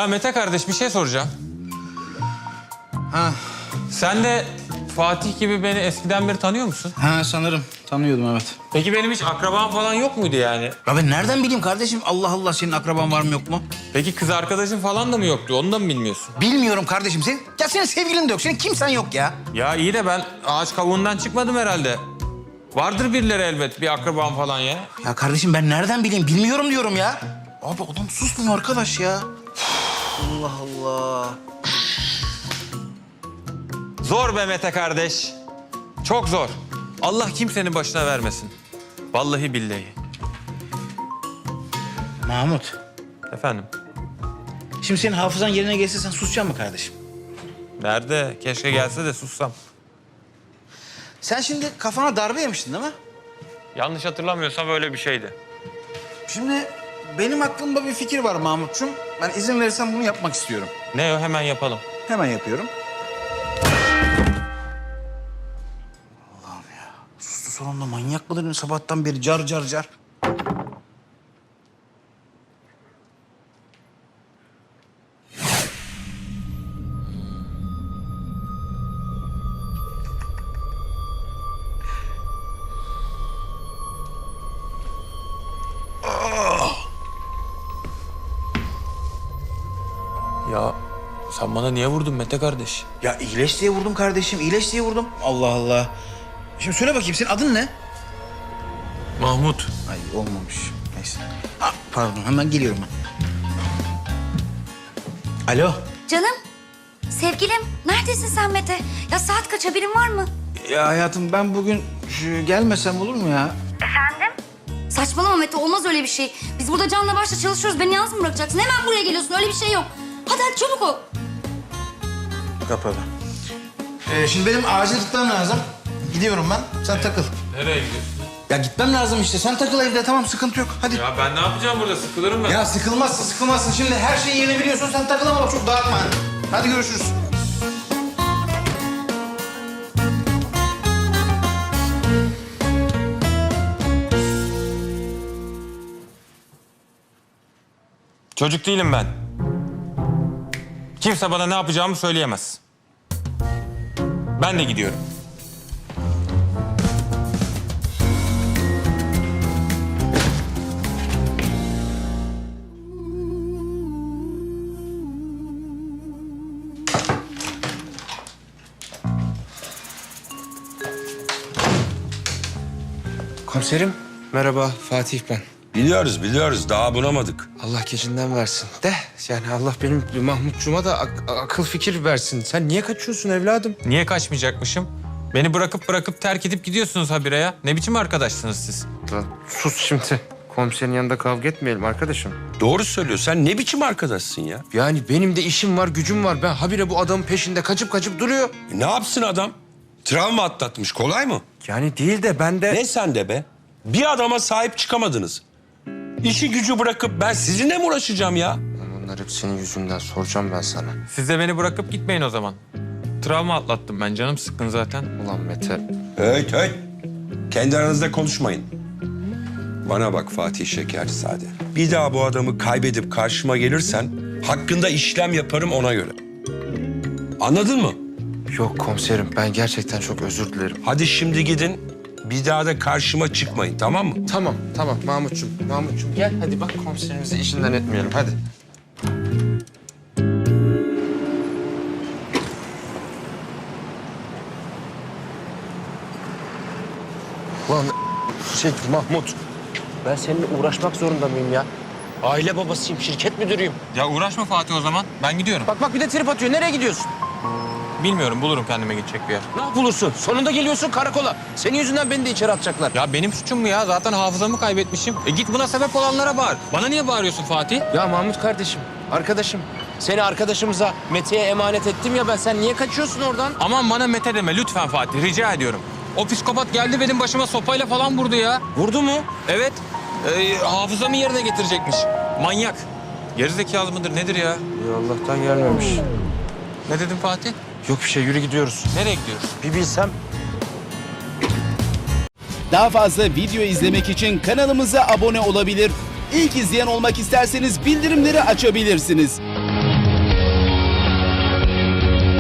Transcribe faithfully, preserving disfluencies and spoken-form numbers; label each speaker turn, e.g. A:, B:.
A: Ya Mete kardeş bir şey soracağım.
B: Ha,
A: Sen de Fatih gibi beni eskiden beri tanıyor musun?
B: ha sanırım. Tanıyordum evet.
A: Peki benim hiç akrabam falan yok muydu yani?
B: Ya ben nereden bileyim kardeşim? Allah Allah, senin akraban var mı yok mu?
A: Peki kız arkadaşın falan da mı yoktu? Onu da mı bilmiyorsun?
B: Bilmiyorum kardeşim. Senin, ya senin sevgilin de yok. Senin kimsen yok ya.
A: Ya iyi de ben ağaç kavuğundan çıkmadım herhalde. Vardır birileri elbet, bir akrabam falan ya.
B: Ya kardeşim ben nereden bileyim? Bilmiyorum diyorum ya. Abi adam susmuyor arkadaş ya. Allah Allah.
A: Zor be Mete kardeş. Çok zor. Allah kimsenin başına vermesin. Vallahi billahi.
B: Mahmut,
A: Efendim?
B: şimdi senin hafızan yerine gelse sen susacak mı kardeşim?
A: Nerede? Keşke gelse de sussam.
B: Sen şimdi kafana darbe yemiştin değil mi?
A: Yanlış hatırlamıyorsam öyle bir şeydi.
B: Şimdi benim aklımda bir fikir var Mahmutcuğum. Ben izin verirsen bunu yapmak istiyorum.
A: Ne o? Hemen yapalım.
B: Hemen yapıyorum. Allah'ım ya. Sustu sonunda, manyak mıdır sabahtan beri car car car.
A: Ya sen bana niye vurdun Mete kardeş?
B: Ya iyileş diye vurdum kardeşim, iyileş diye vurdum. Allah Allah. Şimdi söyle bakayım, senin adın ne?
A: Mahmut.
B: Ay olmamış. Neyse. Ha, pardon, hemen geliyorum ben. Alo.
C: Canım, sevgilim, neredesin sen Mete? Ya saat kaç, haberin var mı?
B: Ya hayatım, ben bugün şu, gelmesem olur mu ya?
C: Efendim? Saçmalama Mete, olmaz öyle bir şey. Biz burada canla başla çalışıyoruz, beni yalnız mı bırakacaksın? Hemen buraya geliyorsun, öyle bir şey yok. Hadi hadi çabuk ol.
B: Kapalı. Ee, şimdi benim acil gitmem lazım. Gidiyorum ben, sen takıl.
A: Nereye gidiyorsun?
B: Ya gitmem lazım işte, sen takıl evde, tamam, sıkıntı yok. Hadi. Ya,
A: Ya ben ne yapacağım burada? Sıkılırım ben.
B: sıkılmazsın, sıkılmazsın. Şimdi her şeyi yeni biliyorsun, sen takıl ama bak çok dağıtma. Hadi görüşürüz.
A: Çocuk değilim ben. Kimse bana ne yapacağımı söyleyemez. Ben de gidiyorum.
D: Komiserim, merhaba. Fatih ben.
E: Biliyoruz, biliyoruz. Daha bunamadık.
D: Allah gecinden versin. De, yani Allah benim Mahmutcuğuma da ak- akıl fikir versin. Sen niye kaçıyorsun evladım?
A: Niye kaçmayacakmışım? Beni bırakıp bırakıp terk edip gidiyorsunuz habire ya. Ne biçim arkadaşsınız siz?
D: Lan sus şimdi. Komiserin yanında kavga etmeyelim arkadaşım.
E: Doğru söylüyor. Sen ne biçim arkadaşsın ya?
D: Yani benim de işim var, gücüm var. Ben habire bu adamın peşinde kaçıp kaçıp duruyor.
E: E, ne yapsın adam? Travma atlatmış. Kolay mı?
D: Yani değil de ben de...
E: Ne sen de be? Bir adama sahip çıkamadınız. İşi gücü bırakıp ben sizinle mi uğraşacağım ya?
D: Lan bunlar hep senin yüzünden, soracağım ben sana.
A: Siz de beni bırakıp gitmeyin o zaman. Travma atlattım ben, canım sıkkın zaten.
D: Ulan Mete.
E: Evet, evet. Kendi aranızda konuşmayın. Bana bak Fatih Şekercisade. Bir daha bu adamı kaybedip karşıma gelirsen hakkında işlem yaparım ona göre. Anladın mı?
D: Yok komiserim, ben gerçekten çok özür dilerim.
E: Hadi şimdi gidin. Bir daha da karşıma çıkmayın, tamam mı?
D: Tamam, tamam Mahmutcuğum. Mahmutcuğum gel hadi bak, komiserimizi işinden etmeyelim hadi. Lan şey Mahmut, ben seninle uğraşmak zorunda mıyım ya? Aile babasıyım, şirket müdürüyüm.
A: Ya uğraşma Fatih o zaman. Ben gidiyorum.
D: Bak bak bir de trip atıyor. Nereye gidiyorsun?
A: Bilmiyorum, bulurum kendime gidecek bir yer.
D: Ne bulursun? Sonunda geliyorsun karakola. Senin yüzünden beni de içeri atacaklar.
A: Ya benim suçum mu ya? Zaten hafızamı kaybetmişim. E git buna sebep olanlara bağır. Bana niye bağırıyorsun Fatih?
D: Ya Mahmut kardeşim, arkadaşım. Seni arkadaşımıza, Mete'ye emanet ettim ya ben. Sen niye kaçıyorsun oradan?
A: Aman bana Mete deme lütfen Fatih, rica ediyorum. O psikopat geldi benim başıma sopayla falan vurdu ya.
D: Vurdu mu?
A: Evet, e, hafızamı yerine getirecekmiş. Manyak. Gerizekalı mıdır nedir ya?
D: Ya Allah'tan gelmemiş.
A: Ne dedin Fatih?
D: Yok bir şey, yürü gidiyoruz.
A: Nereye gidiyoruz?
D: Bir bilsem.
F: Daha fazla video izlemek için kanalımıza abone olabilir. İlk izleyen olmak isterseniz bildirimleri açabilirsiniz.